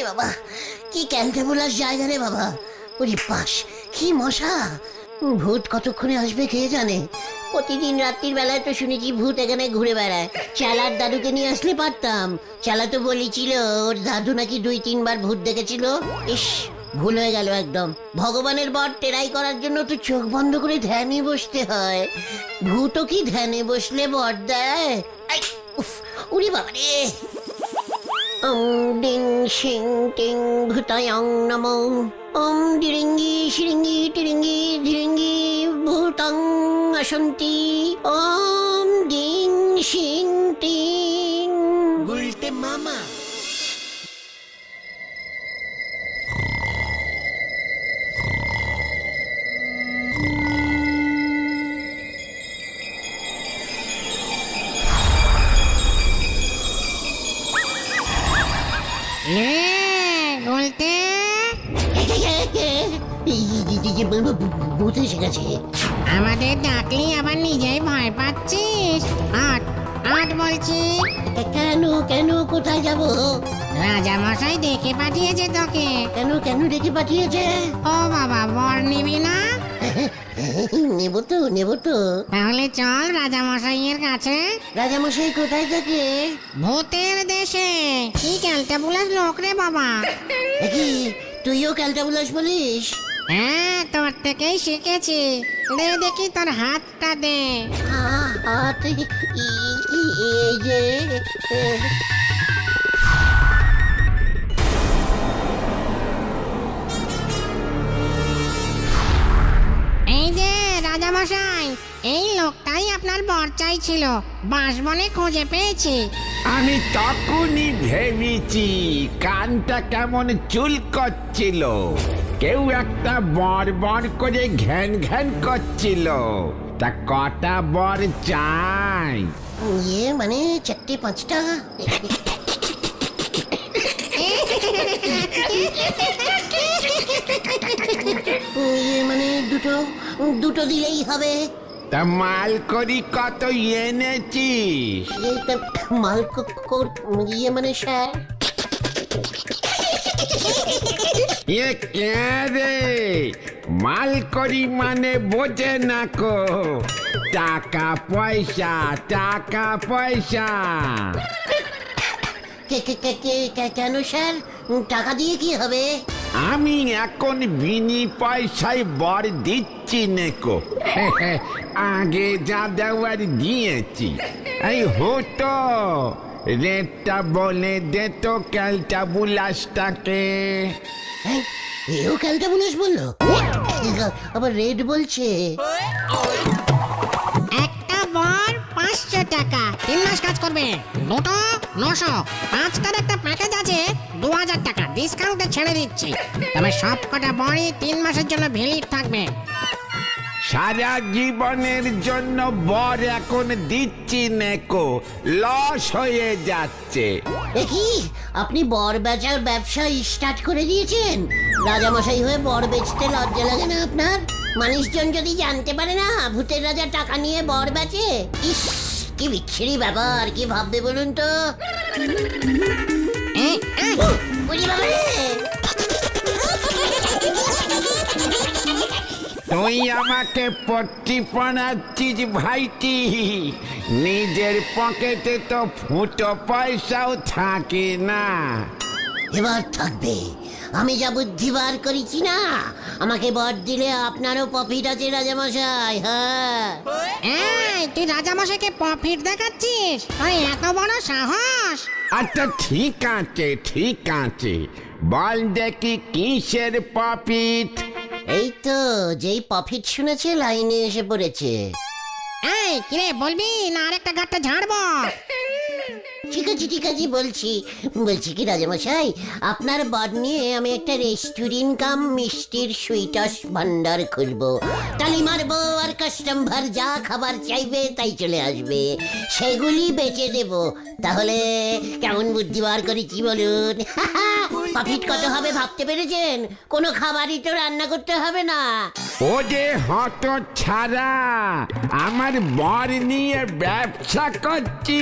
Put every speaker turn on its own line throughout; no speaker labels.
বাবা, কি ক্যান্টাবুলাস জায়গা রে বাবা। ওরে পাশ, কি মশা। ভূত কতক্ষণে আসবে কে জানে। প্রতিদিন রাত্রির বেলায় তো শুনেছি ভূত এখানে ঘুরে বেড়ায়। চালার দাদুকে নিয়ে আসলে পারতাম। চালা তো বলেছিল ওর দাদু নাকি 2-3 বার ভূত দেখেছিল। ইস, ভুল হয়ে গেল একদম। ভগবানের বর টেরাই করার জন্য তো চোখ বন্ধ করে ধ্যানে বসতে হয়। ভূতও কি ধ্যানে বসলে বর দেয়? আই, উফ, উরি বাবা রে। ডিং শিং টিং ভূতায়ং নমো। ডিরিঙ্গি শিরিঙ্গি টিরিঙ্গি ধিরিঙ্গি ভূতং আসন্তি। ডিং শিং টিং। গুলটে মামা।
বলতে
ভূত এসে গেছে।
আমাদের ডাকলি আবার নিজেই ভয় পাচ্ছিস? আট আট বলছি।
কেন কেন, কোথায় যাব?
রাজা মশাই ডেকে পাঠিয়েছে তোকে।
কেন কেন ডেকে পাঠিয়েছে?
ও বাবা, বর নিবি না?
নেব তো নেব তো।
তাহলে চল রাজা মশাইয়ের কাছে।
রাজামশাই কোথায় থাকে?
ভূতের দেশে। কি ক্যালটাবুলাস লোক রে বাবা।
কি তুইও ক্যালটাবুলাস বলিস?
হ্যাঁ, তোর থেকেই শিখেছি। দে দেখি তোর হাতটা দে।
হাত এই যে।
এই যে রাজা মশাই, এই লোকটাই আপনার বর চাইছিল। বাঁশবনে খুঁজে পেয়েছি।
আমি তখনই ভেবেছি কানটা কেমন চুল করছিল। কেউ একটা বর বর করে ঘ্যান ঘ্যান করছিল। তা কটা বর চাই?
মানে 4-5টা। মানে দুটো দিলেই হবে।
তা মাল করি কত এনেছিস?
মাল মানে স্যার।
কে রে? মাল করি মানে বোঝে না কো। টাকা পয়সা টাকা পয়সা।
কেন স্যার, টাকা দিয়ে কি হবে?
আমি এখন বিনি পয়সায় বর দিচ্ছি নেকো। আগে যা দেওয়ার দিয়েছি। এই হতো রেটটা বলে দে তো ক্যালটাবুলাসটাকে।
এও ক্যালটাবুলাস বললো, আবার রেড বলছে।
একটা বর 500 টাকা, 3 মাস কাজ করবে। দুটো 900, 5টার একটা প্যাকেজ আছে 2000 টাকা ডিসকাউন্টে ছেড়ে দিচ্ছি। তবে সব কটা বরই 3 মাসের জন্য ভ্যালিড থাকবে।
সারা জীবনের জন্য বর এখন দিচ্ছি নেকো, লস হয়ে যাচ্ছে।
কি আপনি বর বেচার ব্যবসা স্টার্ট করে দিয়েছেন? রাজামশাই হয়ে বর বেচতে লজ্জা লাগে না আপনার? মানুষজন যদি জানতে পারে না ভূতের রাজা টাকা নিয়ে বর বেচে, ইস কি বিচ্ছিরি ব্যাপার, কি ভাববে বলুন তো? বুঝি বাবা রে।
তুই আমাকে পট্টি পড়াচ্ছিস ভাইটি। নিজের পকেটে তো ফুটো পয়সাও থাকে না।
এবার থাকবে। আমি যা বুদ্ধি বার করেছি না, আমাকে বর দিলে আপনারও প্রফিট আছে রাজামশাই। হ্যাঁ,
তুই রাজামশাইকে প্রফিট দেখাচ্ছিস? আরে এত বড় সাহস!
আচ্ছা ঠিক আছে ঠিক আছে, বল দেখি কিসের প্রফিট?
এই তো যেই প্রফিট শুনেছে লাইনে এসে পড়েছে।
কিরে বলবি না আরেকটা গাঁটটা ঝাড়বো?
ঠিক আছে বলছি কি রাজামশাই, আপনার বর নিয়ে আমি একটা রেস্টুরেন্ট কাম মিষ্টির সুইটস ভান্ডার খুলবো। তালি মারবো আর কাস্টমার যা খাবার চাইবে তাই চলে আসবে, সেগুলি বেচে দেব। তাহলে কেমন বুদ্ধি বার করেছি বলুন? প্রফিট কত হবে ভাবতে পেরেছেন? কোনো খাবারই তো রান্না করতে হবে না।
ও যে হত ছাড়া, আমার বর নিয়ে ব্যবসা করছি।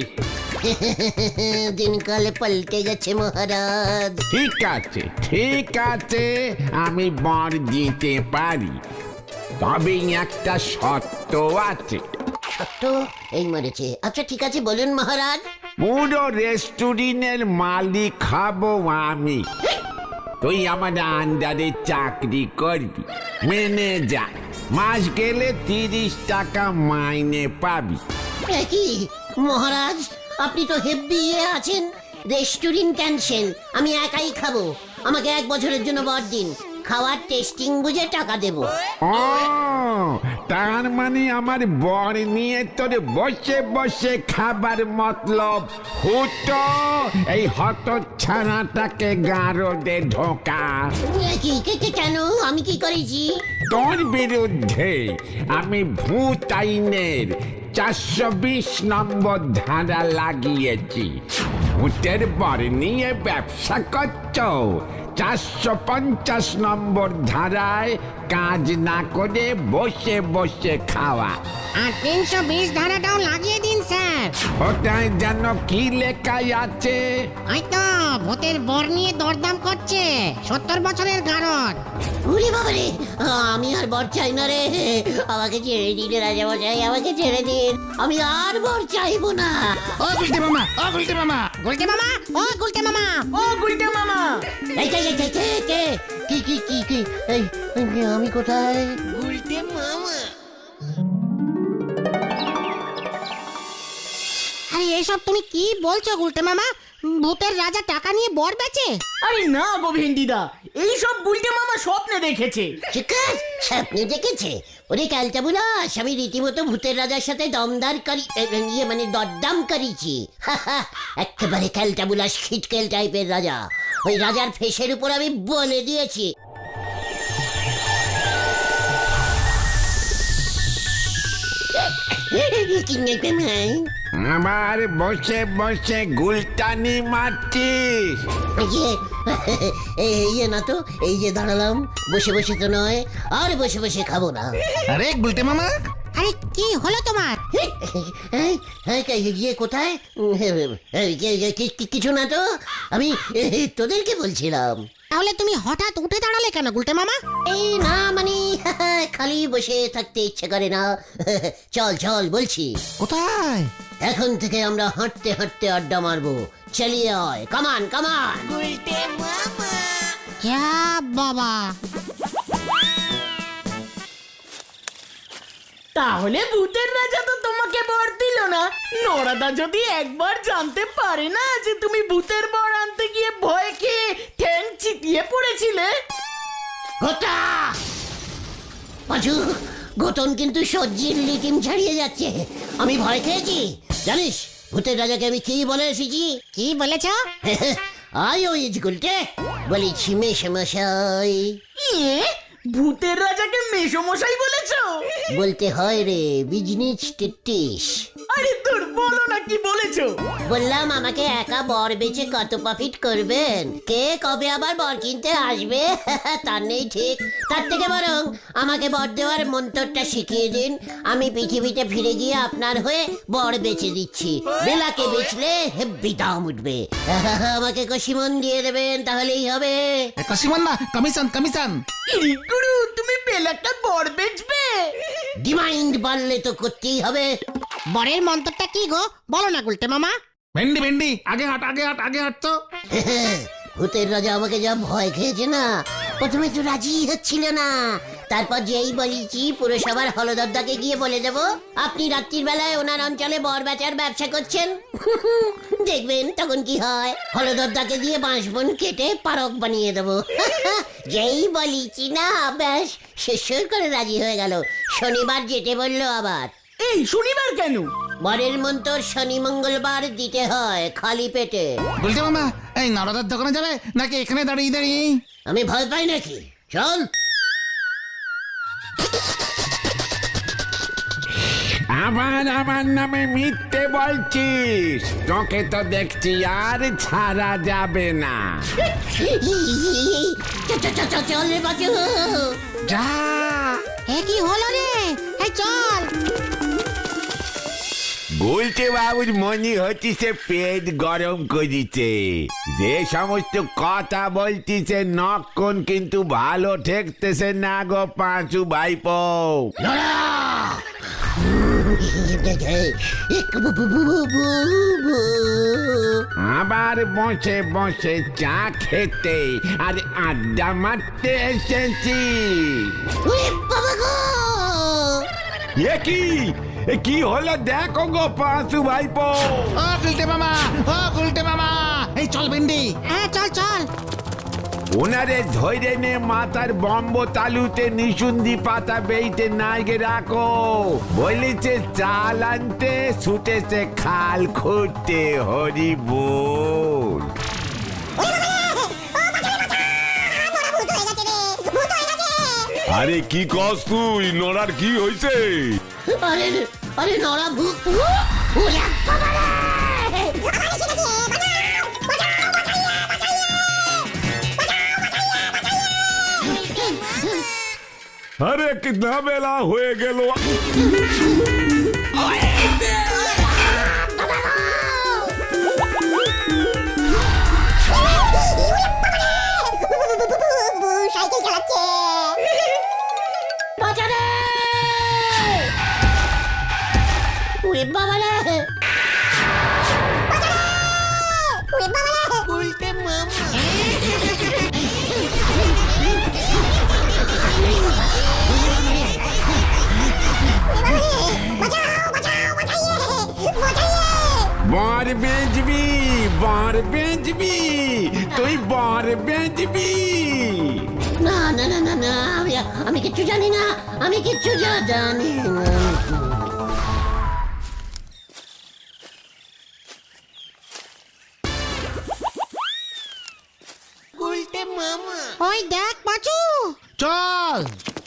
দিনকাল পাল্টে গেছে মহারাজ।
ঠিক আছে ঠিক আছে, আমি বর দিতে পারি, তবে একটা শর্ত আছে।
সত্য এই মরেছে। আচ্ছা ঠিক আছে, বলুন মহারাজ।
পুরো রেস্টুরেন্টের মালিক খাবো আমি, তুই আমার আন্ডারে চাকরি করবি, মেনে যা। মাস গেলে 30 টাকা মাইনে পাবি।
কি মহারাজ, আপনি তো হেব্বি আছেন। রেস্টুরেন্ট ক্যান্সেল, আমি একাই খাবো। আমাকে 1 বছরের জন্য বর দিন, খাওয়ার টেস্টিং বুঝে টাকা দেব।
ও তার মানে আমার বর নিয়ে তোর বসে বসে খাবার মতলব হুটো এই হত ছানাটাকে গারদে ঢোকা।
কেন, আমি কি করেছি?
তোর বিরুদ্ধে আমি ভূত আইনের 420 নম্বর ধারা লাগিয়েছি। ভূতের বর নিয়ে ব্যবসা করছ, 450 নম্বর ধারায় কাজ না করে বসে বসে খাওয়া।
আর 320 ধারাটাও লাগিয়ে দিন স্যার।
ওটাই যেন কি লেখাই আছে?
ওই তো ভূতের বর নিয়ে দরদাম করছে, 70 বছরের গারদ।
উরি বাবারে, আমি আর বর চাই না রে। আমাকে ছেড়ে দিন রাজা মশাই, আমাকে ছেড়ে দিন। আমি আর বর চাইবো না।
ও গুলটে মামা, ও গুলটে মামা,
গুলটে মামা, ও গুলটে মামা,
ও গুলটে মামা।
এই, কি এই, আমি কোথায়?
আরে এসব তুমি কি বলছো গুলটে মামা? ভূতের রাজা টাকা নিয়ে বর বেচে?
আরে না গো ভেন্ডিদা, এই সব গুলটে মামা স্বপ্নে দেখেছে।
চিকাস স্বপ্নে দেখেছে? ওরে ক্যালটা বুলাস, আমি রীতিমতো ভূতের রাজার সাথে দরদাম করেছি। একেবারে ক্যালটা বুলাস খিটকেল টাইপের রাজা। ওই রাজার ফেসের উপর আমি বলে দিয়েছি।
আমার বসে বসে গুলটানি মারছিস?
এই না তো, এই যে দাঁড়ালাম, বসে বসে তো নয়, আর বসে বসে খাবো না।
আরে গুলটে মামা,
আরে কি হলো তোমার?
গিয়ে কোথায়? কিছু না তো, আমি তোদেরকে বলছিলাম।
তাহলে তুমি হঠাৎ উঠে দাঁড়ালে কেন গুলটে মামা?
এই না মানে খালি বসে থাকতে ইচ্ছে করে না। চল চল বলছি।
কোথায়?
এখন থেকে আমরা হাঁটতে হাঁটতে আড্ডা মারবো। চলিয়ে আয়, কামান কামান।
যা বাবা,
তাহলে ভূতের রাজা তো তোমাকে বর দিল না। নরাদা যদি একবার জানতে পারে না যে তুমি ভূতের বর আনতে গিয়ে ভয় খেয়ে ঠ্যাং চিতিয়ে পড়েছিলে।
গোটা পাঁচু, গোতন কিন্তু সজ্জির লিটিম ছাড়িয়ে যাচ্ছে। আমি ভয় খেয়েছি জানিস? ভূতের রাজাকে আমি কি বলে এসেছি?
কি বলেছো?
আই ওই গুলটে বলেছি মেশামশাই।
ইয়ে, ভূতের রাজাকে মেসমশাই বলেছো?
বলতে হয় রে, বিজনেস টিটিস।
আরে তোর বলো না কি বলেছো।
বললাম আমাকে একা বর বেচে কত প্রফিট করবেন, কে কবে আবার বর কিনতে আসবে তার নেই ঠিক। তার থেকে বরং আমাকে বর দেওয়ার মন্ত্রটা শিখিয়ে দিন, আমি পৃথিবীতে ফিরে গিয়ে আপনার হয়ে বর বেচে দিচ্ছি। বেলাকে বেচলে হেব্বি দাম উঠবে। আমাকে কষিমন দিয়ে দেবেন, তাহলেই হবে।
কসিমান না, কমিশন কমিশন।
ইরি গুরু, তুমি বেলাটা বর বেচবে?
ডিমান্ড বাড়লে তো করতেই হবে।
বরের মন্ত্রটা কি গো, বলো না গুলটে মামা।
ভেন্ডি ভেন্ডি, আগে হাট আগে হাট আগে হাট তো।
ভূতের রাজা আমাকে যা ভয় খেয়েছে না, প্রথমে তো রাজি হচ্ছিল না। তারপর যেই বলেছি পুরসভার হলদরদাকে গিয়ে বলে দেব আপনি রাত্রির বেলায় ওনার অঞ্চলে বর বেচার ব্যবসা করছেন। দেখবেন তখন কি হয়। হলদরদাকে দিয়ে বাঁশবন কেটে পারক বানিয়ে দেবো। যেই বলেছি না, ব্যাস শেষ করে রাজি হয়ে গেল। শনিবার যেতে বললো আবার।
এই শনিবার কেন?
বরের মন্ত্র শনি মঙ্গলবার দিতে হয় খালি পেটে।
বলতে মামা, এই নরদার দোকানে যাবে নাকি এখানে দাঁড়িয়ে দাঁড়িয়ে?
আমি ভয় পাই নাকি? চল।
আবার আমার নামে মিথ্যে বলছিস, তোকে তো দেখছি আর ছাড়া যাবে না।
চল রে বাজু।
যা।
এ কি হলো রে? এই চল।
বলতে বাবুর মনে হচ্ছে পেট গরম করিছে, যে সমস্ত কথা বলতিছে নক্ষণ কিন্তু ভালো ঠেকতেছে না গো পাঁচু ভাইপো। আবার বসে বসে চা খেতে আর আড্ডা মারতে এসেছি।
বাবা গো,
এ কি হলো দেখো গো পাঁচু ভাইপো।
ও গুলটে মামা, ও গুলটে মামা, এই চল ভেন্ডি।
হ্যাঁ চল চল।
ওনারে ধৈর্য নে মাথার বম্ব তালুতে নিশুন্দি পাতা বেইতে নাইগে রাখো, বলেছে চাল আনতে ছুটেছে খাল খুঁড়তে হরি বল।
আরে কি কস তুই? নড়ার কি হইছে?
আরে আরে নরা ভূত।
আরে কিतना বেলা হয়ে গেল।
সাইকেল চালাচ্ছে। বাজারে ওরে বাবা রে, উল্টে মামা।
বর বেচবি, বর বেচবি, তুই বর বেচবি।
না না না না না, আমি কিচ্ছু জানি না, আমি কিচ্ছু জানি না।
ওই দেখ পাঁচু।
চল।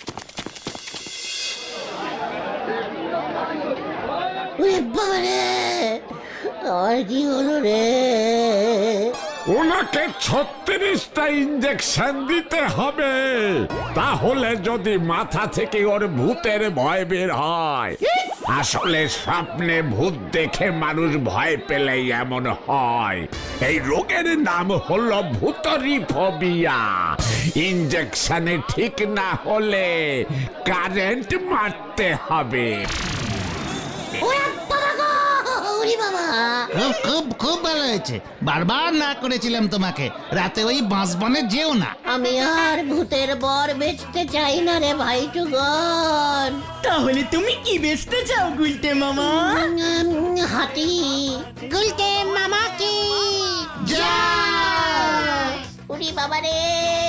ওরে বাবা রে, আর কি হলো রে?
ওনাকে 36টা ইঞ্জেকশন দিতে হবে, তাহলে যদি মাথা থেকে ওর ভূতের ভয় বের হয়। আসলে স্বপ্নে ভূত দেখে মানুষ ভয় পেলেই এমন হয়। এই রোগের নাম হলো ভূতরি ফোবিয়া। ইঞ্জেকশনে ঠিক না হলে কারেন্ট মারতে হবে।
ওরে বাবা গো, ওরে বাবা।
খুব খুব খুব ভালো হয়েছে, বারবার না করেছিলাম তোমাকে, রাতে ওই বাঁশবনে যেও না।
আমি আর ভূতের বর বেচতে চাই না রে ভাই টুগন।
তাহলে তুমি কি বেচতে চাও গুলটে মামা?
হাতি।
গুলটে মামা কি
ওরে বাবা রে।